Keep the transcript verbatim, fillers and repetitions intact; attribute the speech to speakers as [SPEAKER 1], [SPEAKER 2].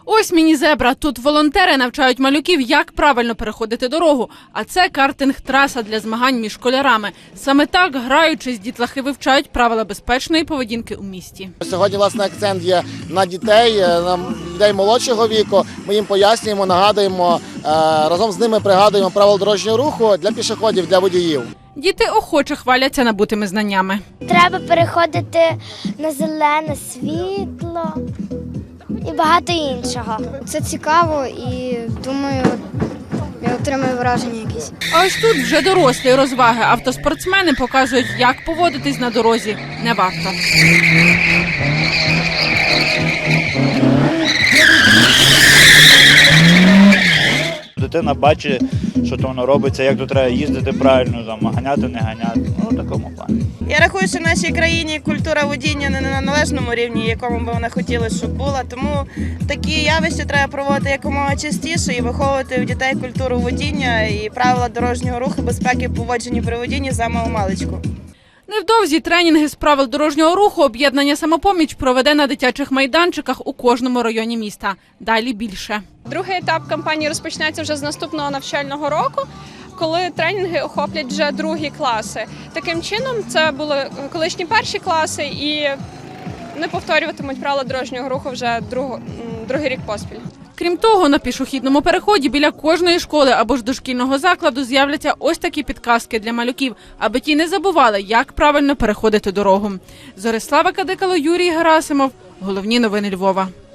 [SPEAKER 1] Ось міні-зебра. Тут волонтери навчають малюків, як правильно переходити дорогу. А це картинг-траса для змагань між школярами. Саме так, граючись, дітлахи вивчають правила безпечної поведінки у місті.
[SPEAKER 2] Сьогодні, власне, акцент є на дітей, на людей молодшого віку. Ми їм пояснюємо, нагадуємо, разом з ними пригадуємо правила дорожнього руху для пішоходів, для водіїв.
[SPEAKER 1] Діти охоче хваляться набутими знаннями.
[SPEAKER 3] Треба переходити на зелене світло і багато іншого.
[SPEAKER 4] Це цікаво і, думаю, я отримаю враження якісь.
[SPEAKER 1] А ось тут вже дорослі розваги. Автоспортсмени показують, як поводитись на дорозі не варто.
[SPEAKER 5] Дитина бачить, що то воно робиться, як тут треба їздити правильно, там, ганяти, не ганяти. Ну, в такому плані.
[SPEAKER 6] Я рахую, що в нашій країні культура водіння не на належному рівні, якому би вона хотіла, щоб була. Тому такі явища треба проводити якомога частіше і виховувати в дітей культуру водіння і правила дорожнього руху, безпеки поводження при водінні за маличку.
[SPEAKER 1] Невдовзі тренінги з правил дорожнього руху об'єднання «Самопоміч» проведе на дитячих майданчиках у кожному районі міста. Далі більше.
[SPEAKER 7] Другий етап кампанії розпочнеться вже з наступного навчального року, коли тренінги охоплять вже другі класи. Таким чином, це були колишні перші класи і не повторюватимуть правила дорожнього руху вже друг, другий рік поспіль.
[SPEAKER 1] Крім того, на пішохідному переході біля кожної школи або ж дошкільного закладу з'являться ось такі підказки для малюків, аби ті не забували, як правильно переходити дорогу. Зорислава Кадикало, Юрій Герасимов. Головні новини Львова.